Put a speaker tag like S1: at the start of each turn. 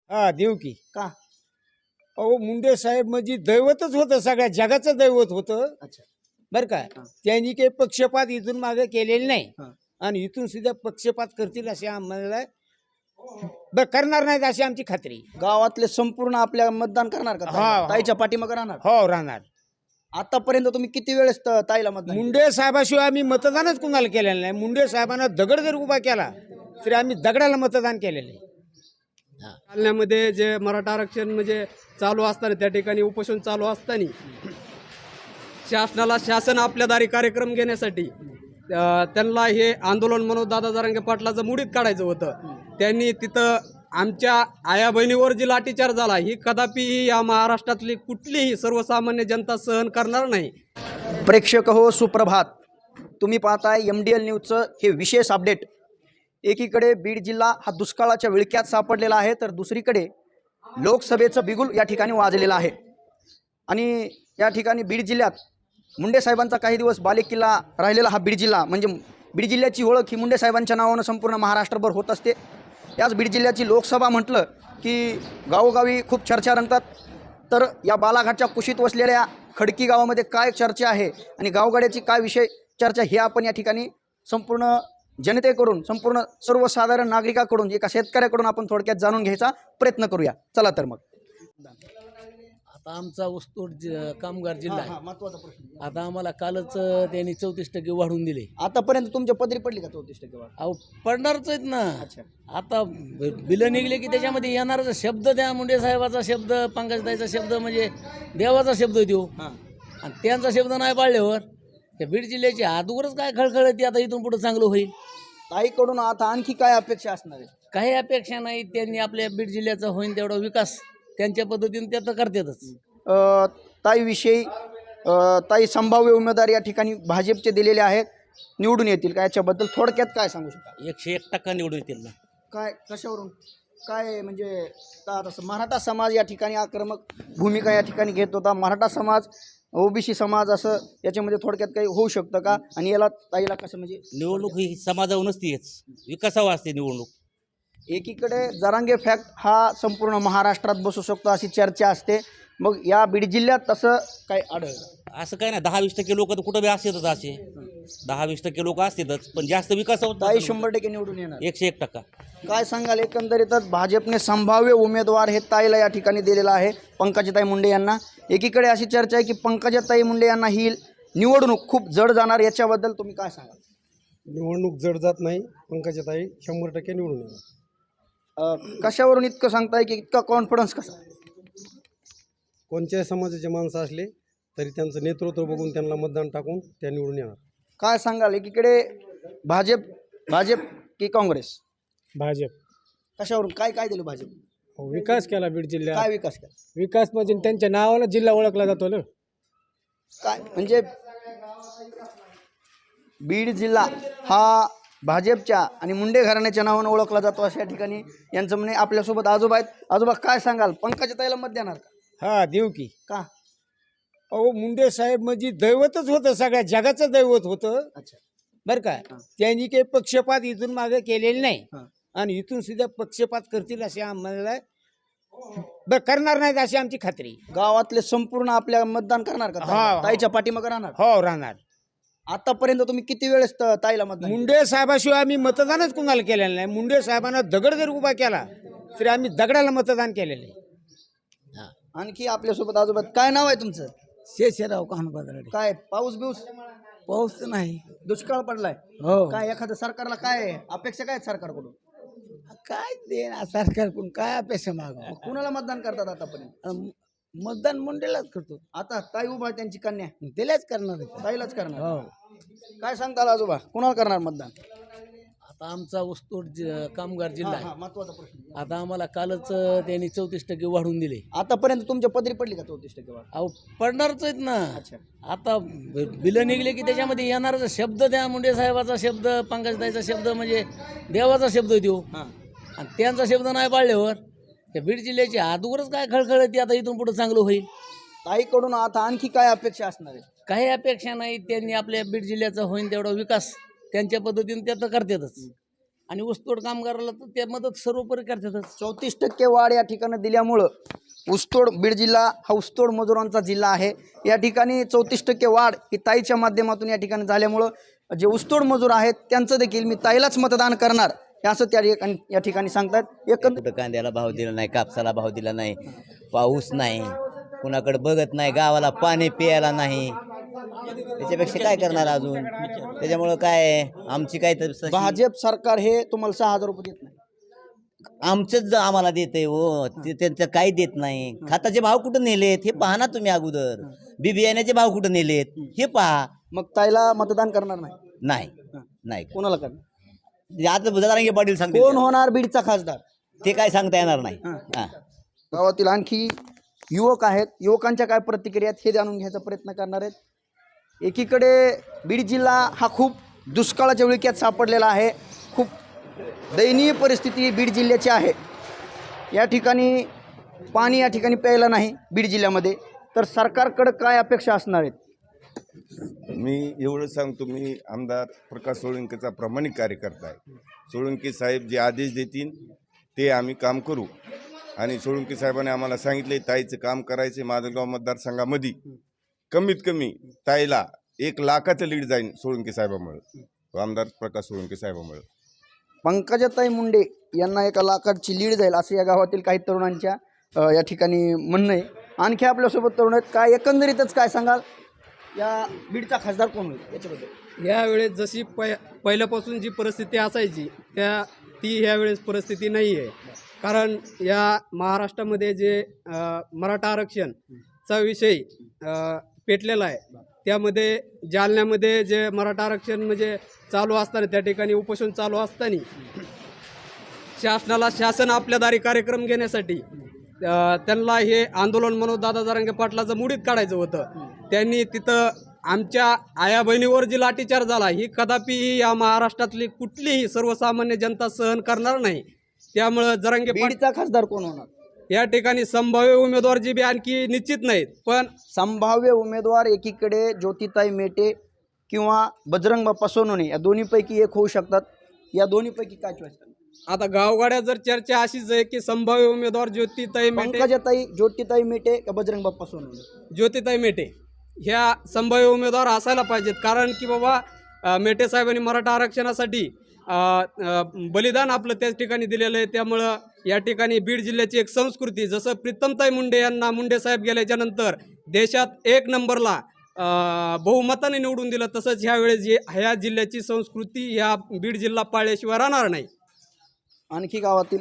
S1: हा देऊ की.
S2: का?
S1: अहो मुंडे साहेब म्हणजे दैवतच होतं, सगळ्या जगाचं दैवत होतं
S2: अच्छा.
S1: बरं का.
S2: हा.
S1: त्यांनी काही पक्षपात इथून मागे केलेले नाही
S2: हा.
S1: आणि इथून सुद्धा पक्षपात करतील असे आम्हाला करणार नाहीत अशी आमची खात्री.
S2: गावातले संपूर्ण आपल्या मतदान करणार का ताईला?
S1: हा, हा.
S2: ताईच्या पाठीमागे राहणार?
S1: हो राहणार.
S2: आतापर्यंत तुम्ही किती वेळेस ताईला मतदान केलं?
S1: मुंडे साहेबाशिवाय आम्ही मतदानच कुणाला केलेलं नाही. मुंडे साहेबांना दगड जर उभा केला तरी आम्ही दगडाला मतदान केलेलं आहे.
S3: जालन्यामध्ये जे मराठा आरक्षण म्हणजे चालू असताना त्या ठिकाणी उपोषण चालू असताना शासन आपल्या दारी कार्यक्रम घेण्यासाठी त्यांना हे आंदोलन म्हणून दादा जरांगे पाटलाचं मुडीत काढायचं होतं. त्यांनी तिथं आमच्या आया बहिणीवर जी लाठीचार्ज झाला ही कदापि या महाराष्ट्रातली कुठलीही सर्वसामान्य जनता सहन करणार नाही.
S2: प्रेक्षक हो, सुप्रभात. तुम्ही पाहताय MDL न्यूजचं हे विशेष अपडेट. एकीकडे बीड जिल्हा हा दुष्काळाच्या विळख्यात सापडलेला आहे, तर दुसरीकडे लोकसभेचं बिगुल या ठिकाणी वाजलेलं आहे. आणि या ठिकाणी बीड जिल्ह्यात मुंडे साहेबांचा काही दिवस बालेकिल्ला राहिलेला हा बीड जिल्हा, म्हणजे बीड जिल्ह्याची ओळख ही मुंडे साहेबांच्या नावानं संपूर्ण महाराष्ट्रभर होत असते. याच बीड जिल्ह्याची लोकसभा म्हटलं की गावोगावी खूप चर्चा रंगतात. तर या बालाघाटच्या कुशीत वसलेल्या खडकी गावामध्ये काय चर्चा आहे आणि गावगाड्याची काय विषय चर्चा हे आपण या ठिकाणी संपूर्ण जनतेकडून, संपूर्ण सर्वसाधारण नागरिकाकडून, एका शेतकऱ्याकडून आपण थोडक्यात जाणून घ्यायचा प्रयत्न करूया. चला तर मग.
S4: आता आमचा ऊसतोड कामगार जिल्हा आहे.
S2: महत्वाचा प्रश्न.
S4: आता आम्हाला कालच त्यांनी 34% वाढवून दिले.
S2: आतापर्यंत तुमच्या पदरी पडली का 34% वाढ?
S4: अहो पडणारच आहेत ना.
S2: अच्छा.
S4: आता बिलं निघले की त्याच्यामध्ये येणारा शब्द द्या, मुंडे साहेबाचा शब्द, पंकजताईचा शब्द म्हणजे देवाचा शब्द देऊ.
S2: हां.
S4: आणि त्यांचा शब्द नाही पाळल्यावर त्या बीड जिल्ह्याची आदूवरच काय खळखळ येते. आता इथून पुढे चांगलं होईल.
S2: ताईकडून आता आणखी काय अपेक्षा असणार आहे?
S4: काही अपेक्षा नाही. त्यांनी आपल्या बीड जिल्ह्याचा होईल तेवढा विकास त्यांच्या पद्धतीने त्या तर करतातच.
S2: ताईविषयी ताई संभाव्य उमेदवार या ठिकाणी भाजपचे दिलेले आहेत, निवडून येतील का, याच्याबद्दल थोडक्यात काय सांगू शकता?
S4: 101% निवडून येतील ना.
S2: काय, कशावरून, काय म्हणजे का तसं मराठा समाज या ठिकाणी आक्रमक भूमिका या ठिकाणी घेत होता, मराठा समाज, OBC समाज, असं याच्यामध्ये थोडक्यात काही होऊ शकतं का? आणि याला ताईला कसं म्हणजे
S5: निवडणूक ही समाजावर नसतेच, विकासावर असते निवडणूक.
S2: एकीकडे जरांगे फॅक्ट हा संपूर्ण महाराष्ट्रात बसू शकतो अशी चर्चा असते, मग या बीड जिल्ह्यात तसं काय आढळलं?
S5: असं काय नाही, 10-20% लोक तर कुठं बी असतातच, असे 10-20% लोक असतातच, पण जास्त विकास होत
S2: ताई
S5: नाही.
S2: 100% निवडून येणार.
S5: 101%.
S2: काय सांगाल, एकंदरीतच भाजपने संभाव्य उमेदवार हे ताईला या ठिकाणी दिलेला आहे, पंकजाताई मुंडे यांना. एकीकडे अशी चर्चा आहे की पंकजाताई मुंडे यांना ही निवडणूक खूप जड जाणार, याच्याबद्दल तुम्ही काय सांगाल?
S3: निवडणूक जड जात नाही, पंकजाताई 100% निवडून येणार.
S2: कशावरून इतकं सांगताय की इतका कॉन्फिडन्स कसा?
S3: कोणत्याही समाजाचे माणसं असले तरी त्यांचं नेतृत्व बघून त्यांना मतदान टाकून त्या निवडून येणार.
S2: काय सांगाल, एकीकडे भाजप की काँग्रेस?
S6: भाजप.
S2: कशावरून, काय काय दिलं भाजप?
S6: विकास केला बीड जिल्ह्यात.
S2: काय विकास केला?
S6: विकास म्हणजे त्यांच्या नावानं जिल्हा ओळखला जातो ना.
S2: काय म्हणजे बीड जिल्हा हा भाजपच्या आणि मुंडे घराण्याच्या नावानं ओळखला जातो अशा ठिकाणी यांचं म्हणे. आपल्यासोबत आजोबा आहेत. आजोबा, काय सांगाल, पंकजाताईला मत देणार का?
S1: हा देऊ की.
S2: का?
S1: अहो मुंडे साहेब म्हणजे दैवतच होतं, सगळ्या जगाचं दैवत होतं
S2: अच्छा.
S1: बरं का.
S2: हा.
S1: त्यांनी काही पक्षपात इथून मागे केलेले नाही
S2: हा.
S1: आणि इथून सुद्धा पक्षपात करतील असे आम्हाला करणार नाहीत अशी आमची खात्री.
S2: गावातले संपूर्ण आपल्या मतदान करणार का?
S1: हा.
S2: ताईच्या पाठीमागे राहणार?
S1: हो राहणार.
S2: आतापर्यंत तुम्ही किती वेळेस ताईला मतदान केलं?
S1: मुंडे साहेबाशिवाय आम्ही मतदानच कुणाला केलेलं नाही. मुंडे साहेबांना दगड जर उभा केला तरी आम्ही दगडाला मतदान केलेलं आहे.
S2: आणखी आपल्यासोबत आजोबा, काय नाव आहे तुमचं?
S4: शेषराव कानबादराडे.
S2: काय पाऊस बिऊस?
S4: पाऊस तर नाही.
S2: दुष्काळ पडलाय.
S4: हो.
S2: काय एखाद्या सरकारला काय अपेक्षा काय आहेत सरकारकडून?
S4: काय देणार सरकारकडून, काय अपेक्षा मागा?
S2: कुणाला मतदान करतात आतापर्यंत?
S4: मतदान मुंडेलाच करतो.
S2: आता ताई उभा आहे, त्यांची कन्या,
S4: त्यालाच करणार आहे.
S2: ताईलाच करणार.
S4: हो.
S2: काय सांगताल आजोबा, कुणाला करणार मतदान?
S4: आता आमचा ऊसतोड कामगार जिल्हा आहे.
S2: महत्वाचा प्रश्न.
S4: आता आम्हाला कालच त्यांनी 34% वाढवून दिले.
S2: आतापर्यंत तुमच्या पदरी पडली का 34% वाढ?
S4: अहो पडणारच आहेत ना.
S2: अच्छा.
S4: आता बिलं निघले की त्याच्यामध्ये येणारा शब्द द्या, मुंडे साहेबाचा शब्द, पंकजताईचा शब्द म्हणजे देवाचा शब्द देऊ.
S2: हां.
S4: आणि त्यांचा शब्द नाही पाळल्यावर त्या बीड जिल्ह्याची आदूवरच काय खळखळ येते. आता इथून पुढे चांगलं होईल.
S2: ताईकडून आता आणखी काय अपेक्षा असणार आहे?
S4: काही अपेक्षा नाही. त्यांनी आपल्या बीड जिल्ह्याचा होईल तेवढा विकास त्यांच्या पद्धतीने त्या तर करतातच. आणि ऊसतोड कामगाराला तर त्या मदत सर्वोपरी करतातच.
S2: 34% वाढ या ठिकाणी दिल्यामुळं ऊसतोड बीड जिल्हा हा ऊसतोड मजुरांचा जिल्हा आहे. या ठिकाणी 34% वाढ ही ताईच्या माध्यमातून या ठिकाणी झाल्यामुळं जे ऊसतोड मजूर आहेत त्यांचं देखील मी ताईलाच मतदान करणार हे असं त्या ठिकाणी या ठिकाणी सांगतात. एकंदर
S7: कुठं कांद्याला भाव दिला नाही, कापसाला भाव दिला नाही, पाऊस नाही, कुणाकडे बघत नाही, गावाला पाणी प्यायला नाही, त्याच्यापेक्षा काय करणार अजून. त्याच्यामुळं काय आमची काय तर
S2: भाजप सरकार हे तुम्हाला 6,000 रुपये देत नाही.
S7: आमचंच आम्हाला देतंय हो, त्यांचं काही देत नाही. खताचे भाव कुठं नेलेत हे पहा ना तुम्ही अगोदर. बी बियाण्याचे भाव कुठं नेलेत हे पहा.
S2: मग ताईला मतदान करणार नाही.
S7: नाही नाही
S2: कोणाला करणार?
S7: आता जरांगे पाटील सांगते
S2: कोण होणार बीडचा खासदार
S7: ते काय सांगता येणार नाही. हा.
S2: गावातील आणखी युवक आहेत, युवकांच्या काय प्रतिक्रिया आहेत हे जाणून घ्यायचा प्रयत्न करणार आहेत. एकीकडे बीड जिल्हा हा खूप दुष्काळाच्या विळख्यात सापडलेला आहे. खूप दयनीय परिस्थिती बीड जिल्ह्याची आहे. या ठिकाणी पाणी या ठिकाणी प्यायला नाही बीड जिल्ह्यामध्ये. तर सरकारकडं काय अपेक्षा असणार आहेत?
S8: मी एवढं सांगतो, मी आमदार प्रकाश सोळंकेचा प्रामाणिक कार्यकर्ता आहे. सोळंके साहेब जे आदेश देतील ते आम्ही काम करू. आणि सोळंके साहेबांनी आम्हाला सांगितले ताईचं काम करायचे. माजलगाव मतदारसंघामध्ये कमीत कमी ताईला 1 लाखाचं लीड जाईल सोळंके साहेबामुळे, आमदार प्रकाश सोळंके साहेबामुळे.
S2: पंकजाताई मुंडे यांना 1 लाखाची लीड जाईल असं या गावातील काही तरुणांच्या या ठिकाणी म्हणणं आहे. आणखी आपल्यासोबत तरुण आहेत. काय एकंदरीतच काय सांगाल, या बीडचा खासदार कोण होईल याच्याबद्दल?
S3: यावेळेस जशी पहिल्यापासून जी परिस्थिती असायची ती ह्यावेळेस परिस्थिती नाही आहे. कारण या महाराष्ट्रामध्ये जे मराठा आरक्षणचा विषय पेटलेला आहे, त्यामध्ये जालन्यामध्ये जे मराठा आरक्षण म्हणजे चालू असताना त्या ठिकाणी उपोषण चालू असताना शासन आपल्या दारी कार्यक्रम घेण्यासाठी त्यांना हे आंदोलन म्हणून दादा जरांगे पाटलाचं मुडीत काढायचं होतं. त्यांनी तिथं आमच्या आया बहिणीवर जी लाठीचार झाला ही कदापि या महाराष्ट्रातली कुठलीही सर्वसामान्य जनता सहन करणार नाही. त्यामुळं जरांगे
S2: बीडचा खासदार कोण होणार?
S3: या ठिकाणी संभाव्य उमेदवार जी बी आणखी निश्चित नाहीत, पण
S2: संभाव्य उमेदवार एकीकडे ज्योतिताई मेटे किंवा बजरंग बाप्पा सोनवणे या दोन्हीपैकी एक होऊ शकतात. या दोन्हीपैकी काय चॉईस करणार?
S3: आता गावगाड्यात जर चर्चा अशीच आहे की संभाव्य उमेदवार ज्योतिताई
S2: मेटे का बजरंग बाप्पा सोनवणे?
S3: ज्योतिताई मेटे ह्या संभाव्य उमेदवार असायला पाहिजेत. कारण की बाबा मेटे साहेबांनी मराठा आरक्षणासाठी बलिदान आपलं त्याच ठिकाणी दिलेलं आहे. त्यामुळं या ठिकाणी बीड जिल्ह्याची एक संस्कृती, जसं प्रीतमताई मुंडे यांना मुंडे साहेब गेल्याच्यानंतर देशात 1 नंबरला बहुमताने निवडून दिलं, तसंच ह्यावेळेस ह्या जिल्ह्याची संस्कृती ह्या बीड जिल्हा पाळल्याशिवाय राहणार नाही.
S2: आणखी गावातील